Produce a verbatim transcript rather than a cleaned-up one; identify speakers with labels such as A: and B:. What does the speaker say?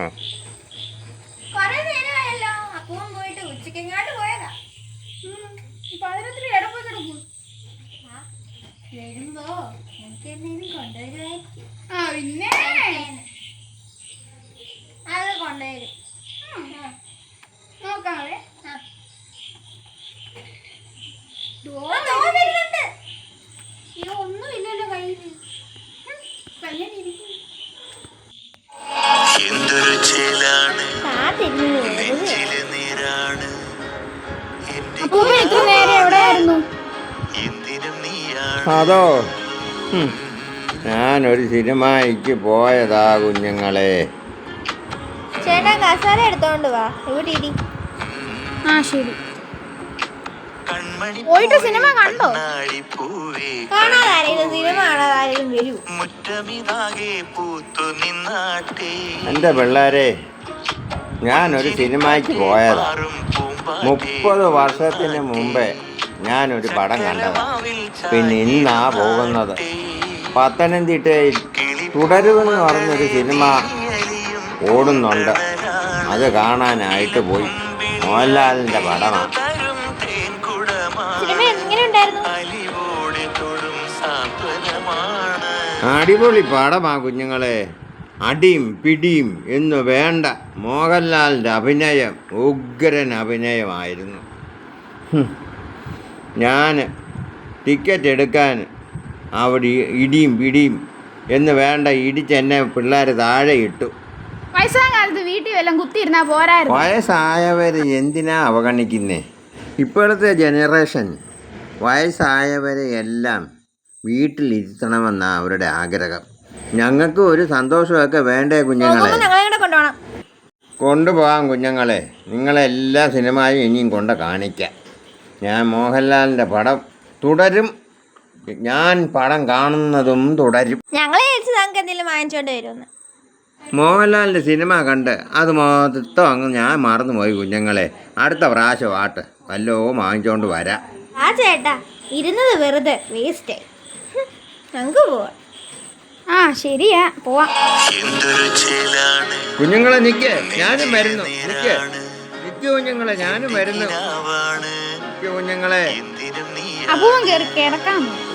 A: കൊറേ നേരമായല്ലോ. അപ്പവും പോയിട്ട് ഉച്ചക്കെങ്ങാണ്ട് പോയതാ.
B: പതിനൊത്തിരി എവിടെ പോയി കിടക്കും?
A: വരുമ്പോ എനിക്ക് എന്തെങ്കിലും കൊണ്ടുവരുമായിരിക്കും.
B: ആ പിന്നെ
A: അത് കൊണ്ടുവരും.
B: നോക്കാവേ.
A: വരുന്നുണ്ട്.
B: അയ്യോ ഒന്നും ഇല്ലല്ലോ കയ്യിൽ. അപ്പൂപ്പ എത്ര നേരം എവിടെയായിരുന്നു?
C: അതോ ഞാനൊരു സിനിമയ്ക്ക് പോയതാ കുഞ്ഞുങ്ങളെ.
A: ചേട്ടാ കസാര എടുത്തോണ്ട് വാ. ഇവിടെ ഇരി.
B: ആ ശരി. പോയിട്ട് സിനിമ കണ്ടോ?
A: കാണാതാരെങ്കിലും സിനിമ കാണാതാരെങ്കിലും വരൂ.
C: എൻ്റെ പിള്ളേരെ, ഞാനൊരു സിനിമയ്ക്ക് പോയതാ. മുപ്പത് വർഷത്തിന് മുമ്പേ ഞാനൊരു പടം കണ്ടതാ. പിന്നെ ഇന്നാ പോകുന്നത്. പത്തനംതിട്ടയിൽ തുടരുമെന്ന് പറഞ്ഞൊരു സിനിമ ഓടുന്നുണ്ട്. അത് കാണാനായിട്ട് പോയി. മോഹൻലാലിൻ്റെ പടമാണ്.
A: സിനിമ എങ്ങനെ ഉണ്ടായിരുന്നു?
C: അടിപൊളി പടമാ കുഞ്ഞുങ്ങളെ. അടിയും പിടിയും എന്ന് വേണ്ട. മോഹൻലാലിൻ്റെ അഭിനയം ഉഗ്രൻ അഭിനയമായിരുന്നു. ഞാൻ ടിക്കറ്റ് എടുക്കാൻ അവിടെ ഇടിയും പിടിയും എന്ന് വേണ്ട ഇടിച്ചെന്നെ പിള്ളേർ താഴെ ഇട്ടു.
B: വയസ്സാകാലത്ത് വീട്ടിൽ വല്ലതും കുത്തിയിരുന്നാ പോരായിരുന്നു.
C: വയസ്സായവർ എന്തിനാ അവഗണിക്കുന്നേ? ഇപ്പോഴത്തെ ജനറേഷൻ വയസ്സായവരെ എല്ലാം വീട്ടിലിരുത്തണമെന്നാണ് അവരുടെ ആഗ്രഹം. ഞങ്ങൾക്ക് ഒരു സന്തോഷമൊക്കെ വേണ്ടേ കുഞ്ഞുങ്ങളെ? കൊണ്ടുപോകാം കുഞ്ഞുങ്ങളെ. നിങ്ങളെല്ലാ സിനിമയും ഇനിയും കൊണ്ട് കാണിക്കാം. ഞാൻ മോഹൻലാലിൻ്റെ പടം തുടരും. ഞാൻ പടം കാണുന്നതും തുടരും.
A: ഞങ്ങളെ എന്തെങ്കിലും വാങ്ങിച്ചോണ്ട് വരുമെന്ന്.
C: മോഹൻലാലിൻ്റെ സിനിമ കണ്ട് അത് മൊത്തം അങ്ങ് ഞാൻ മറന്നുപോയി കുഞ്ഞുങ്ങളെ. അടുത്ത പ്രാവശ്യം ആട്ട് വല്ലോ വാങ്ങിച്ചോണ്ട് വരാം.
A: ആ ചേട്ടാ ഇരുന്നത് വെറുതെ വേസ്റ്റ്. ഞങ്ങൾക്ക് പോവാം.
B: ആ ശരിയാ, പോവാം.
C: കുഞ്ഞുങ്ങളെ നിക്ക്, ഞാനും വരുന്നു. നിക്ക് നിക്ക് കുഞ്ഞുങ്ങളെ, ഞാനും വരുന്നു. നിക്ക് കുഞ്ഞുങ്ങളെ.
B: അപ്പൂവൻ കയറി കിടക്കാമോ?